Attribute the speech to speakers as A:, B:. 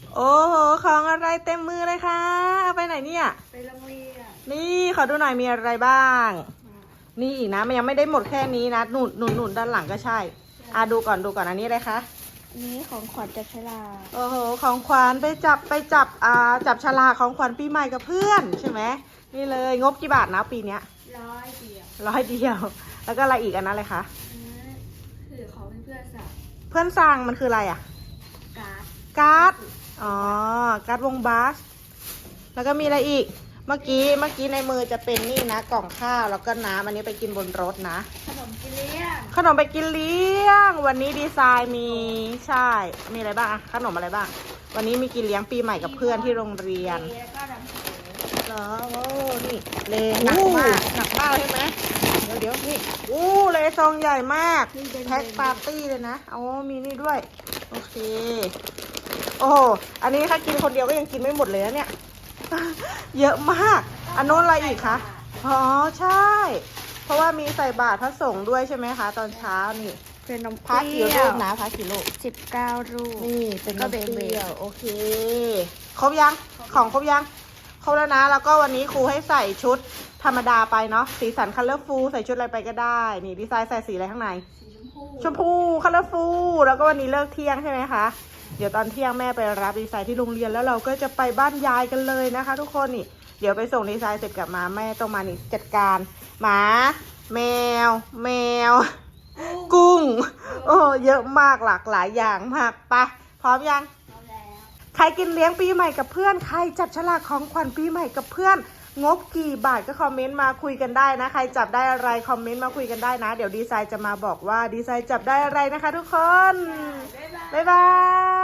A: โอ้โหของอะไรเต็มมือเลยคะเอาไปไหนเนี่ย
B: ไปโรงเรียน
A: นี่ขอดูหน่อยมีอะไรบ้าง นี่อีกนะมันยังไม่ได้หมดแค่นี้นะหนุนด้านหลังก็ใช่ดูก่อนอันนี้อะไรคะ
B: อันนี้ของขวัญจับฉลาก
A: โอ้โหของขวัญไปจับฉลากของขวัญปีใหม่กับเพื่อนใช่ไหมนี่เลยงบกี่บาทนะปีเนี้ย
B: 100 เดียว
A: 100 เดียวแล้วก็อะไรอีกอันนั้นเลยคะ
B: คือของเพื่อนๆสั่ง
A: เพื่อนสั่งมันคืออะไรอ่ะ
B: การ์ด
A: อ๋อการ์ดวงบาสแล้วก็มีอะไรอีกเมื่อกี้ในมือจะเป็นนี่นะกล่องข้าวแล้วก็น้ำอันนี้ไปกินบนรถนะ
B: ขนมกินเลี้ยง
A: ขนมไปกินเลี้ยงวันนี้ดีไซน์มีใช่มีอะไรบ้างอะขนมอะไรบ้างวันนี้มีกินเลี้ยงปีใหม่กับเพื่อนที่โรงเรียน
B: แล้วก็น้ำแข็ง
A: เหรอโอ้นี่เลหนักมากใช่ไหมเดี๋ยวนี่เลซองใหญ่มากแพ็คปาร์ตี้เลยนะมีนี่ด้วยโอเคโอ้อันนี้ถ้ากินคนเดียวก็ยังกินไม่หมดเลยนะเนี่ยเยอะมากอันโน้นอะไรอีกคะอ๋อใช่เพราะว่ามีใส่บาตรพระสงฆ์ด้วยใช่ไหมคะตอนเช้านี่
B: เป็นนม
A: พักกี่ลูกนะพักกี่ลูก
B: 19 ลูก
A: นี่เป็นนมเปรี้ยวโอเคครบยังของครบยังครบแล้วนะแล้วก็วันนี้ครูให้ใส่ชุดธรรมดาไปเนาะสีสันคัลเลอร์ฟูลใส่ชุดอะไรไปก็ได้นี่ดีไซน์ใส่สีอะไรข้างในชมพูคัลเลอร์ฟูลแล้วก็วันนี้เลิกเที่ยงใช่ไหมคะเดี๋ยวตอนเที่ยงแม่ไปรับดีไซน์ที่โรงเรียนแล้วเราก็จะไปบ้านยายกันเลยนะคะทุกคนนี่เดี๋ยวไปส่งดีไซน์เสร็จกลับมาแม่ต้องมานี่จัดการหมาแมวกุ้งโอ้เยอะมากหลากหลายอย่างมากไปพร้อมยังใครกินเลี้ยงปีใหม่กับเพื่อนใครจับฉลากของขวัญปีใหม่กับเพื่อนงบกี่บาทก็คอมเมนต์มาคุยกันได้นะใครจับได้อะไรคอมเมนต์มาคุยกันได้นะเดี๋ยวดีไซน์จะมาบอกว่าดีไซน์จับได้อะไรนะคะทุกคนบ๊ายบาย